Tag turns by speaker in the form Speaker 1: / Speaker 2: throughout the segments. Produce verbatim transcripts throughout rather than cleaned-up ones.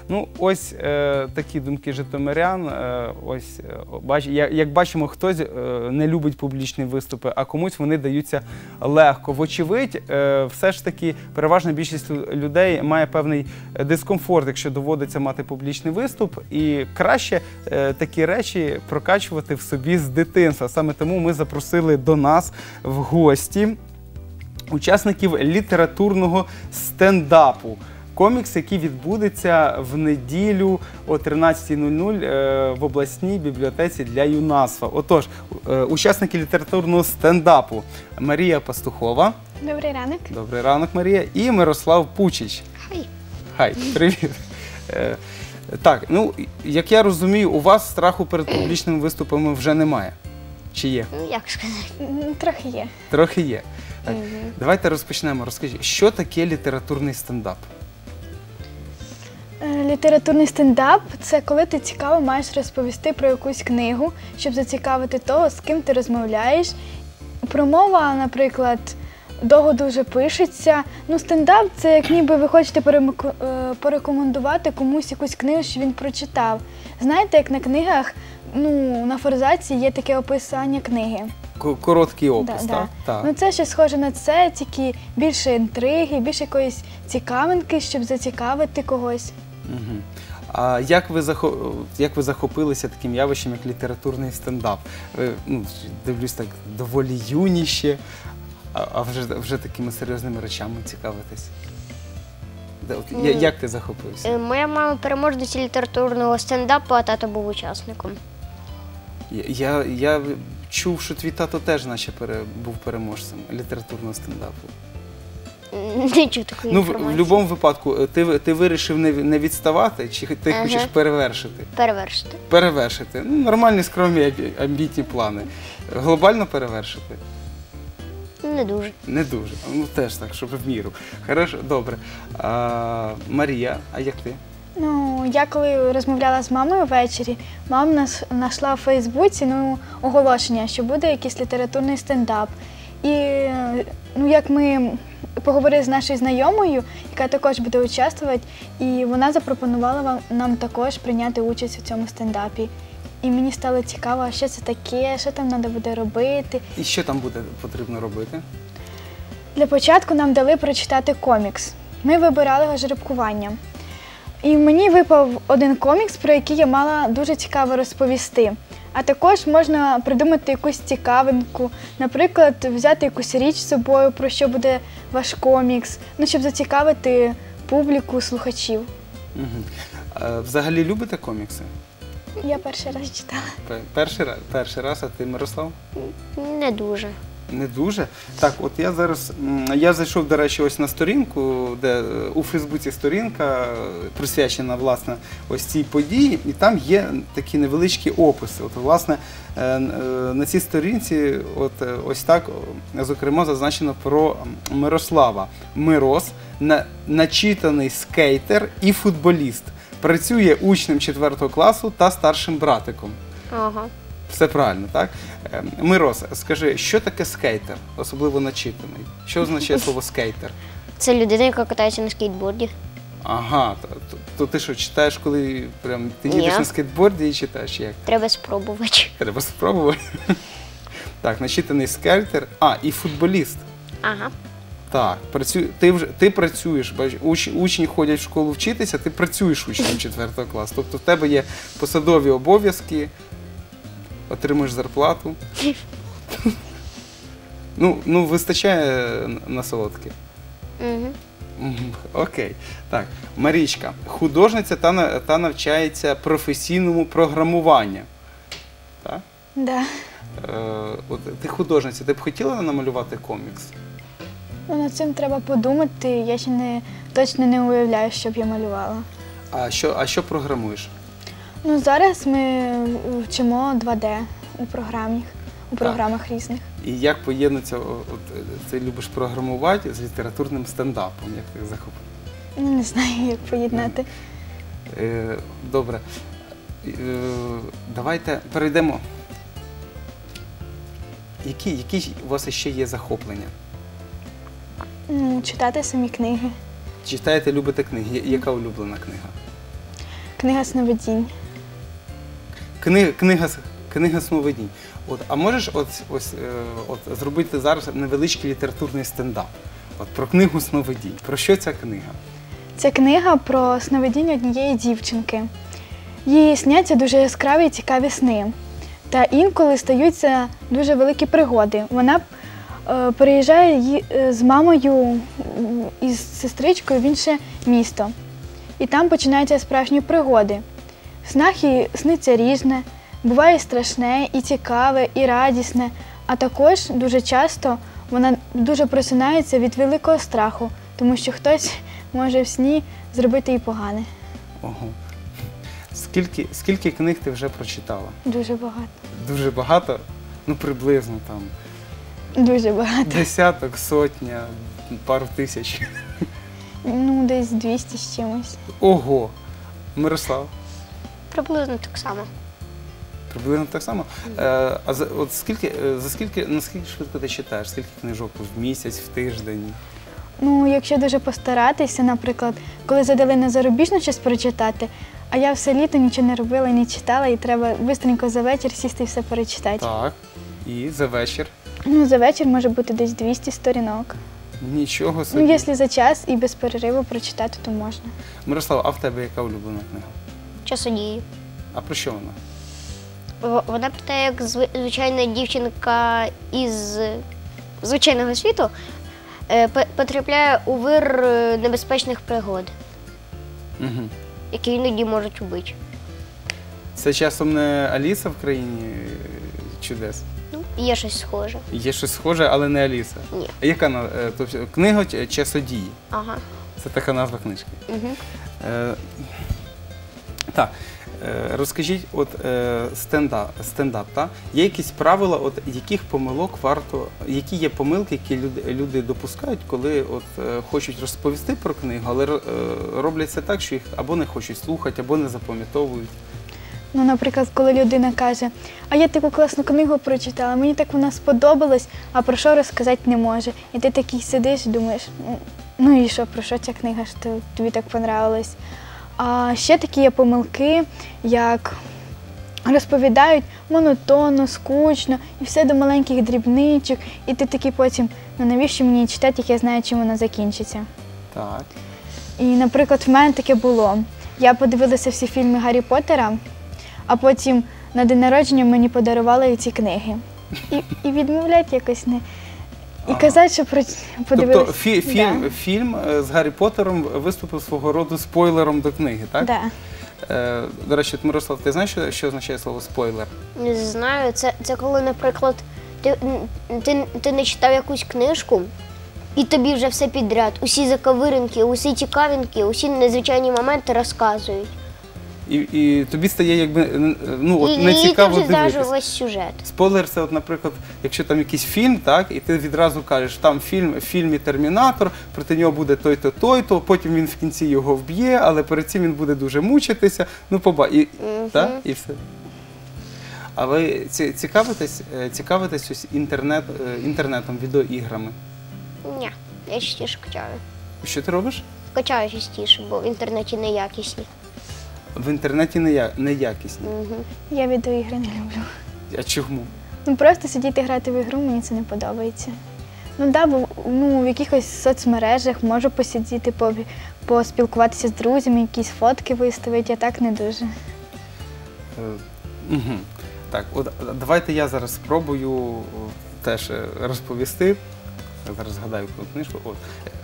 Speaker 1: Ну, ось е, такі думки житомирян. Е, ось, е, бач, як, як бачимо, хтось е, не любить публічні виступи, а комусь вони даються легко. Вочевидь, е, все ж таки, переважна більшість людей має певний дискомфорт, якщо доводиться мати публічний виступ, і краще е, такі речі прокачувати в собі з дитинства. Саме тому ми запросили до нас в гості учасників літературного стендапу. Комікс, який відбудеться в неділю о тринадцятій нуль нуль в обласній бібліотеці для юнацтва. Отож, учасники літературного стендапу Марія Пастухова.
Speaker 2: Добрий ранок.
Speaker 1: Добрий ранок, Марія. І Мирослав Пучич.
Speaker 2: Хай.
Speaker 1: Хай, привіт. Так, ну, як я розумію, у вас страху перед публічними виступами вже немає. Чи є?
Speaker 2: Як сказати? Трохи є.
Speaker 1: Трохи є. Так.
Speaker 2: Угу.
Speaker 1: Давайте розпочнемо. Розкажіть, що таке літературний стендап?
Speaker 2: Літературний стендап – це коли ти цікаво маєш розповісти про якусь книгу, щоб зацікавити того, з ким ти розмовляєш. Промова, наприклад, довго дуже пишеться. Ну, стендап – це як ніби ви хочете порекомендувати комусь якусь книгу, що він прочитав. Знаєте, як на книгах, ну, на форзаці є таке описання книги.
Speaker 1: Короткий опис,
Speaker 2: да,
Speaker 1: так?
Speaker 2: Да.
Speaker 1: Так.
Speaker 2: Ну, це щось схоже на це, тільки більше інтриги, більше якоїсь цікавинки, щоб зацікавити когось.
Speaker 1: Угу. А як ви, захо... як ви захопилися таким явищем, як літературний стендап? Ви, ну, дивлюсь, так доволі юніше, а, а вже, вже такими серйозними речами цікавитесь. От, я, як ти захопився?
Speaker 3: Моя мама переможниця літературного стендапу, а тато був учасником.
Speaker 1: Я, я, я чув, що твій тато теж наче пере, був переможцем літературного стендапу.
Speaker 3: Не чув такої
Speaker 1: Ну,
Speaker 3: інформації.
Speaker 1: в, в будь-якому випадку, ти, ти вирішив не, не відставати, чи ти
Speaker 3: Ага.
Speaker 1: хочеш перевершити?
Speaker 3: Перевершити.
Speaker 1: Перевершити. Ну, нормальні, скромні, амбітні плани. Глобально перевершити?
Speaker 3: Не дуже.
Speaker 1: Не дуже. Ну, теж так, щоб в міру. Хорошо, добре. А, Марія, а як ти?
Speaker 2: Ну, я коли розмовляла з мамою ввечері, мама знайшла в Фейсбуці ну, оголошення, що буде якийсь літературний стендап. І ну, як ми поговорили з нашою знайомою, яка також буде участвувати, і вона запропонувала нам також прийняти участь у цьому стендапі. І мені стало цікаво, що це таке, що там треба буде робити.
Speaker 1: І що там буде потрібно робити?
Speaker 2: Для початку нам дали прочитати комікс. Ми вибирали його жеребкуванням. І мені випав один комікс, про який я мала дуже цікаво розповісти. А також можна придумати якусь цікавинку, наприклад, взяти якусь річ з собою, про що буде ваш комікс, ну, щоб зацікавити публіку, слухачів.
Speaker 1: Угу. А, взагалі любите комікси?
Speaker 2: Я перший раз читала.
Speaker 1: Перший раз, перший раз, а ти, Мирослав?
Speaker 3: Не дуже.
Speaker 1: Не дуже. Так, от я зараз, я зайшов, до речі, ось на сторінку, де у Фейсбуці сторінка присвячена, власне, ось цій події, і там є такі невеличкі описи. От, власне, на цій сторінці, от ось так, зокрема, зазначено про Мирослава. Мирос, начитаний скейтер і футболіст. Працює учнем четвертого класу та старшим братиком.
Speaker 3: Ага.
Speaker 1: Все правильно, так? Мирос, скажи, що таке скейтер, особливо начитаний? Що означає слово скейтер?
Speaker 3: Це людина, яка катається на скейтборді.
Speaker 1: Ага, то, то, то ти що, читаєш, коли прям, ти їдеш
Speaker 3: Ні.
Speaker 1: на скейтборді і читаєш як?
Speaker 3: Треба спробувати.
Speaker 1: Треба спробувати. Так, начитаний скейтер, а, і футболіст.
Speaker 3: Ага.
Speaker 1: Так, працю... ти, вже... ти працюєш, бач, уч... учні ходять в школу вчитися, ти працюєш учнем четвертого класу. Тобто в тебе є посадові обов'язки, отримуєш зарплату. Ну, ну, вистачає на солодке.
Speaker 3: Угу.
Speaker 1: Окей. Так, Марічка, художниця та, та навчається професійному програмуванню. Так?
Speaker 2: Да.
Speaker 1: Е, от, ти художниця, ти б хотіла намалювати комікс?
Speaker 2: Ну, над цим треба подумати, я ще не, точно не уявляю, що б я малювала.
Speaker 1: А що, а що програмуєш?
Speaker 2: Ну, зараз ми вчимо два де у програмах, у програмах різних.
Speaker 1: І як поєднується, от, ти любиш програмувати з літературним стендапом, як ти захопив?
Speaker 2: Не знаю, як поєднати.
Speaker 1: Е, добре. Е, давайте перейдемо. Які, які у вас ще є захоплення?
Speaker 2: Ну, читати самі книги.
Speaker 1: Читаєте, любите книги? Яка улюблена книга?
Speaker 2: Книга сновидінь.
Speaker 1: Книга, книга, с- книга сновидінь. От, а можеш от, ось, е, от, зробити зараз невеличкий літературний стендап? От, про книгу сновидінь. Про що ця книга?
Speaker 2: Це книга про сновидіння однієї дівчинки. Їй сняться дуже яскраві і цікаві сни. Та інколи стаються дуже великі пригоди. Вона е, переїжджає ї- е, з мамою м, і з сестричкою в інше місто. І там починаються справжні пригоди. В снах їй сниться різне, буває і страшне, і цікаве, і радісне. А також дуже часто вона дуже просинається від великого страху, тому що хтось може в сні зробити їй погане.
Speaker 1: Ого. Скільки, скільки книг ти вже прочитала?
Speaker 2: Дуже багато.
Speaker 1: Дуже багато? Ну, приблизно там.
Speaker 2: Дуже багато.
Speaker 1: Десяток, сотня, пару тисяч.
Speaker 2: Ну, десь двісті з чимось.
Speaker 1: Ого! Мирослав,
Speaker 3: Приблизно так само.
Speaker 1: приблизно так само. Е, а за, от скільки, е, за скільки, наскільки швидко ти читаєш? Скільки книжок в місяць, в тиждень?
Speaker 2: Ну, якщо дуже постаратися, наприклад, коли задали на зарубіжну щось прочитати, а я все літо нічого не робила, не читала, і треба швидко за вечір сісти і все перечитати.
Speaker 1: Так. І за вечір?
Speaker 2: Ну, за вечір може бути десь двісті сторінок.
Speaker 1: Нічого собі.
Speaker 2: Ну, якщо за час і без перериву прочитати, то можна.
Speaker 1: Мирослав, а в тебе яка улюблена книга?
Speaker 3: Часодії.
Speaker 1: А про що вона?
Speaker 3: В- Вона про те, як зви- звичайна дівчинка із звичайного світу е, пе- потрапляє у вир е, небезпечних пригод,
Speaker 1: Угу.
Speaker 3: які іноді можуть убити.
Speaker 1: Це часом не Аліса в країні е, чудес?
Speaker 3: Ну, є щось схоже.
Speaker 1: Є щось схоже, але не Аліса.
Speaker 3: Ні.
Speaker 1: А яка на- е, тобто, книга ч- «Часодії»?
Speaker 3: Ага.
Speaker 1: Це така назва книжки.
Speaker 3: Угу.
Speaker 1: Е, так, е, розкажіть, от е, стендап, стендап, та? Є якісь правила, от яких помилок варто, які є помилки, які люди, люди допускають, коли от е, хочуть розповісти про книгу, але е, роблять це так, що їх або не хочуть слухати, або не запам'ятовують.
Speaker 2: Ну, наприклад, коли людина каже, а я таку класну книгу прочитала, мені так вона сподобалась, а про що розказати не може. І ти такий сидиш і думаєш, «Ну, ну і що, про що ця книга, що тобі так понравилась. А ще такі є помилки, як розповідають монотонно, скучно, і все до маленьких дрібничок, і ти такий потім, ну навіщо мені її читати, як я знаю, чим вона закінчиться.
Speaker 1: Так.
Speaker 2: І, наприклад, в мене таке було. Я подивилася всі фільми Гаррі Поттера, а потім на день народження мені подарували ці книги. І, і відмовляти якось не. І
Speaker 1: Ага.
Speaker 2: казати, що про подивилися.
Speaker 1: Тобто фі, фільм,
Speaker 2: Да.
Speaker 1: фільм е, з Гаррі Поттером виступив свого роду спойлером до книги, так?
Speaker 2: Да.
Speaker 1: Е, до речі, от, Мирослав, ти знаєш, що, що означає слово спойлер?
Speaker 3: Не знаю, це, це коли, наприклад, ти, ти, ти не читав якусь книжку, і тобі вже все підряд. Усі заковиринки, усі цікавинки, усі незвичайні моменти розказують.
Speaker 1: І, і тобі стає якби е, ну, от,
Speaker 3: і,
Speaker 1: не
Speaker 3: і ти
Speaker 1: цікаво
Speaker 3: вже знаєш
Speaker 1: дивитися.
Speaker 3: весь сюжет.
Speaker 1: Спойлер це, от, наприклад, якщо там якийсь фільм, так, і ти відразу кажеш, там фільм, в фільмі Термінатор, проти нього буде той-то, той-то, потім він в кінці його вб'є, але перед цим він буде дуже мучитися. Ну, поба... і,
Speaker 3: Мгм.
Speaker 1: так, і все. А ви ці- цікавитесь, е, цікавитесь ось інтернет, е, інтернетом, відеоіграми?
Speaker 3: Ні, я частіше качаю.
Speaker 1: Що ти робиш?
Speaker 3: Качаю частіше, бо в інтернеті неякісні.
Speaker 1: В інтернеті нея- неякісні.
Speaker 3: Угу.
Speaker 2: Я відеоігри не люблю.
Speaker 1: А чому?
Speaker 2: Ну просто сидіти грати в ігру, мені це не подобається. Ну да, бо ну, в якихось соцмережах можу посидіти, по- поспілкуватися з друзями, якісь фотки виставити, а так не дуже.
Speaker 1: Угу. Так, от а, давайте я зараз спробую о, теж е, розповісти. Я зараз згадаю про книжку. От.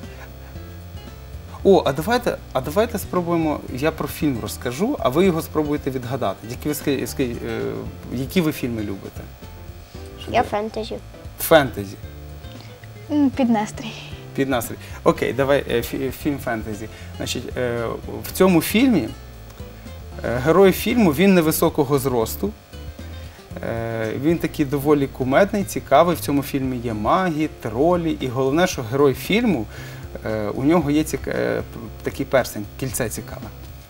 Speaker 1: О, а давайте, а давайте спробуємо, я про фільм розкажу, а ви його спробуєте відгадати. Які ви, ски- ски- е, які ви фільми любите? Щоб
Speaker 3: Я фентезі.
Speaker 1: Фентезі.
Speaker 2: М, Під настрій.
Speaker 1: Під настрій. Окей, давай е, фі- фільм фентезі. Значить, е, в цьому фільмі е, герой фільму він невисокого зросту. Е, Він такий доволі кумедний, цікавий. В цьому фільмі є маги, тролі. І головне, що герой фільму, е, у нього є цік... е, п- такий перстень, кільце цікаве.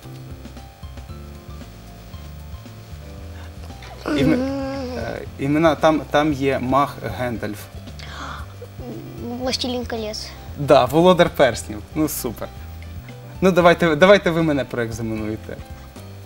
Speaker 1: Ім... е, Імена, там, там є маг Гендальф.
Speaker 3: Властелін колес.
Speaker 1: Да, володар перснів. Ну супер. Ну давайте, давайте ви мене проекзаменуєте.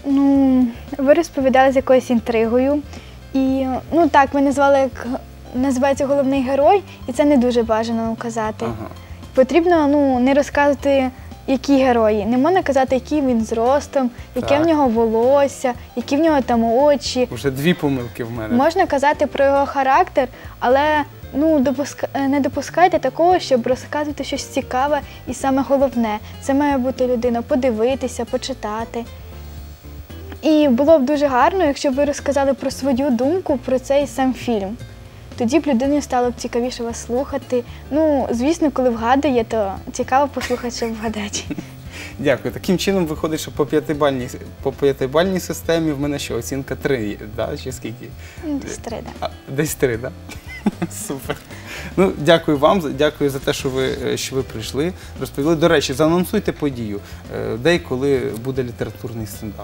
Speaker 2: Ну, ви розповідали з якоюсь інтригою. І, ну так, ви назвали, як називається головний герой, і це не дуже бажано казати.
Speaker 1: Ага.
Speaker 2: Потрібно, ну, не розказувати, які герої. Не можна казати, який він зростом, яке
Speaker 1: Так.
Speaker 2: в нього волосся, які в нього там очі.
Speaker 1: Вже дві помилки в мене.
Speaker 2: Можна казати про його характер, але ну, допуска... не допускайте такого, щоб розказувати щось цікаве і саме головне. Це має бути людина подивитися, почитати. І було б дуже гарно, якщо б ви розказали про свою думку про цей сам фільм. Тоді б людині стало б цікавіше вас слухати. Ну, звісно, коли вгадує, то цікаво послухати, що вгадати.
Speaker 1: Дякую. Таким чином виходить, що по п'ятибальній, по п'ятибальній системі в мене що, оцінка три, да? Чи скільки?
Speaker 2: Ну, десь три, так.
Speaker 1: А, десь три, так? Да? Супер. Ну, дякую вам, за- дякую за те, що ви, що ви прийшли, розповіли. До речі, заанонсуйте подію, е, де і коли буде літературний стендап.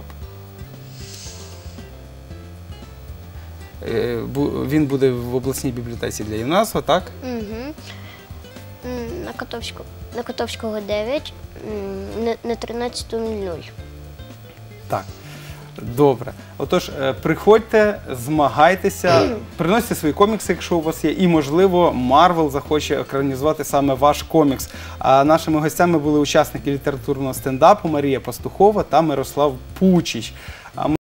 Speaker 1: Е, бу- Він буде в обласній бібліотеці для юнацтва, так?
Speaker 3: Угу. На Котовського, на Котовського дев'ять, м, на- на тринадцяту нуль нуль.
Speaker 1: Так. Добре. Отож, е, приходьте, змагайтеся, приносьте свої комікси, якщо у вас є, і, можливо, Марвел захоче екранізувати саме ваш комікс. А нашими гостями були учасники літературного стендапу Марія Пастухова та Мирослав Пучич.